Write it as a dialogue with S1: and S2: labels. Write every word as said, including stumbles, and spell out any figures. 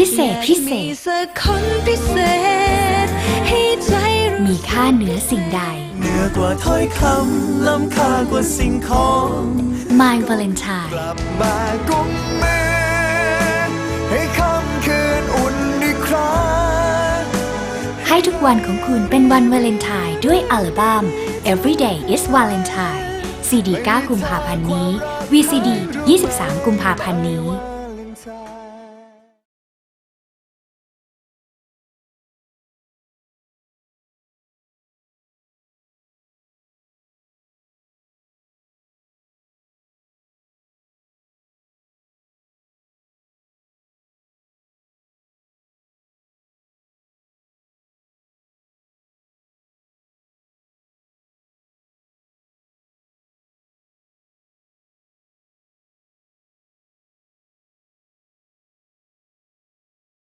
S1: เศษพิเศษมีค่าเหนือสิ่งใด
S2: เหนือกว่าถ้อยคำล้ำค่ากว่าสิ่งของ
S1: My Valentine
S2: กลับมากุมมือให้ค่ำคืนอุ่นอีกครั้ง
S1: ให้ทุกวันของคุณเป็นวันวาเลนไทน์ด้วยอัลบั้ม Everyday is Valentine ซี ดี เก้า กุมภาพันธ์นี้ วี ซี ดี ยี่สิบสาม กุมภาพันธ์นี้